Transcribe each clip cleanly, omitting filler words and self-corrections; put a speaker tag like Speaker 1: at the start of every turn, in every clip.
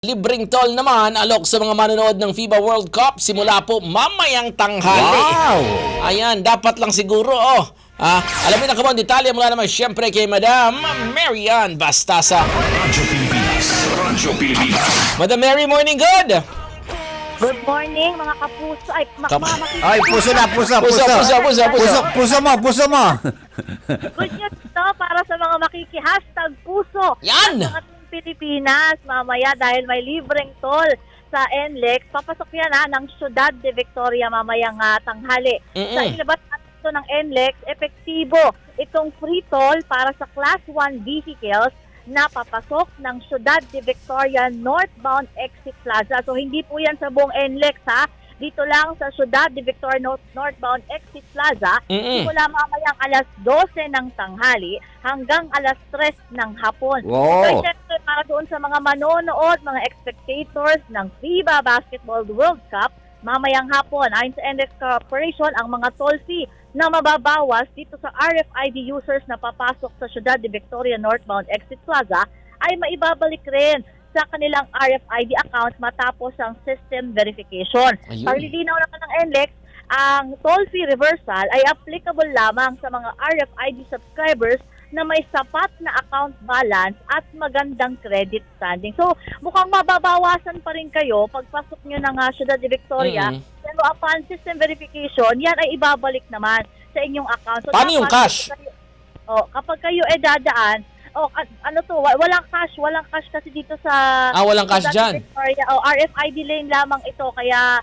Speaker 1: Libreng toll naman alok sa mga manonood ng FIBA World Cup simula po mamayang tanghali.
Speaker 2: Wow!
Speaker 1: Ayan, dapat lang siguro alamin ang kabang detalye mula naman siyempre kay Madam Marian Bastasa.
Speaker 3: Radyo Pilipinas. Radyo Pilipinas.
Speaker 1: Madam Mary, morning good!
Speaker 4: Good morning mga kapuso. Ay, mga makikita.
Speaker 2: Ay, puso na, puso. Puso mo.
Speaker 4: Good news to para sa mga makiki-hashtag puso.
Speaker 1: Yan!
Speaker 4: Sa ating Pilipinas, mamaya dahil may libreng toll sa NLEX, papasok yan ng Ciudad de Victoria mamayang tanghali. Sa ilabas natin ng NLEX, epektibo itong free toll para sa Class 1 vehicles na papasok ng Ciudad de Victoria northbound exit plaza. So hindi po yan sa buong NLEX dito lang sa Ciudad de Victoria northbound exit plaza. Simula mamayang alas 12 ng tanghali hanggang alas 3 ng hapon.
Speaker 2: Wow.
Speaker 4: So syempre para doon sa mga manonood, mga spectators ng FIBA Basketball World Cup, mamayang hapon, ayon sa NLEX Corporation, ang mga toll fee na mababawas dito sa RFID users na papasok sa Ciudad de Victoria northbound exit plaza ay maibabalik rin sa kanilang RFID accounts matapos ang system verification. Para lilinaw naman ng NLEX, ang toll fee reversal ay applicable lamang sa mga RFID subscribers na may sapat na account balance at magandang credit standing. So, mukhang mababawasan pa rin kayo pagpasok nyo ng Ciudad de Victoria. Pero upon system verification, yan ay ibabalik naman sa inyong account. So,
Speaker 1: paano yung cash?
Speaker 4: Kapag kayo dadaan, walang cash kasi dito sa
Speaker 1: walang cash dyan.
Speaker 4: Victoria. RFID lane lamang ito, kaya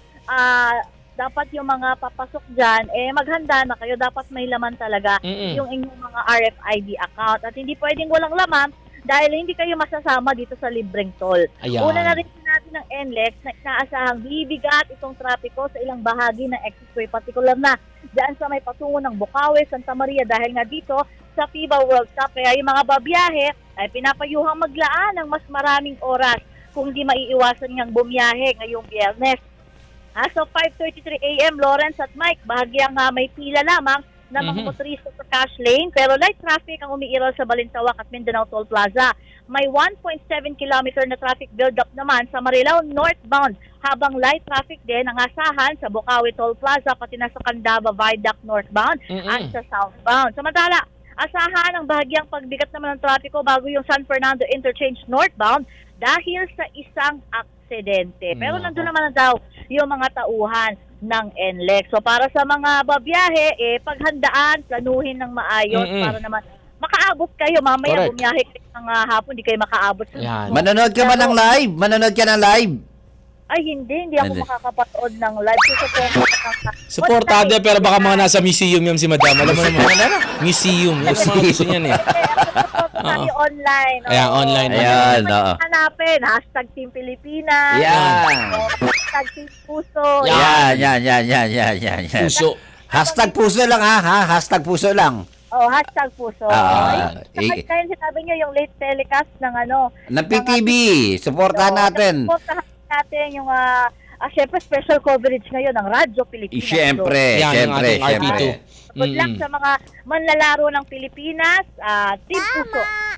Speaker 4: dapat yung mga papasok dyan, maghanda na kayo. Dapat may laman talaga yung inyong mga RFID account. At hindi pwedeng walang laman dahil hindi kayo masasama dito sa libreng toll.
Speaker 1: Ayan.
Speaker 4: Una na rin natin ng NLEX na inaasahang bibigat itong trapiko sa ilang bahagi ng expressway, particular na dyan sa may patungo ng Bukawi, Santa Maria, dahil nga dito sa FIBA World Cup. Kaya yung mga babiyahe ay pinapayuhang maglaan ng mas maraming oras kung di maiiwasan niyang bumiyahe ngayong Biyernes. So 5:33 a.m. Lawrence at Mike, bahagyang may pila lamang na mga motorista sa cash lane, pero light traffic ang umiiral sa Balintawak at Mindanao Toll Plaza. May 1.7 kilometer na traffic build-up naman sa Marilao northbound, habang light traffic din ang asahan sa Bukawi Toll Plaza pati na sa Candaba Viaduct northbound at sa southbound. Samantala, asahan ang bahagyang pagbigat naman ng trapiko bago yung San Fernando Interchange northbound dahil sa isang aksidente. Pero nandun naman daw yung mga tauhan ng NLEX. So para sa mga babiyahe, paghandaan, planuhin ng maayos para naman makaabot kayo. Mamaya bumiyahe kayo ng hapon, di kayo makaabot.
Speaker 2: Manonood ka ba ng live? Manonood ka ng live?
Speaker 4: Ay, hindi ako makakapanood ng live.
Speaker 1: Supportado pero baka mga nasa museum yung si Madam. Alam mo naman, museum. Yung mga gusto niyan
Speaker 4: online.
Speaker 1: Ayan, online.
Speaker 2: Ayan,
Speaker 4: hanapin, #Team Pilipinas.
Speaker 2: Yan.
Speaker 4: #Team Puso.
Speaker 2: Yan.
Speaker 1: Puso.
Speaker 2: Hashtag puso lang Hashtag puso lang.
Speaker 4: #Puso. Kaya sinabi nyo yung late telecast ng
Speaker 2: ng PTV. Supportahan natin.
Speaker 4: Supportahan natin yung syempre special coverage ngayon ng Radyo Pilipinas.
Speaker 2: Siyempre.
Speaker 4: Good luck sa mga manlalaro ng Pilipinas. Team Puso.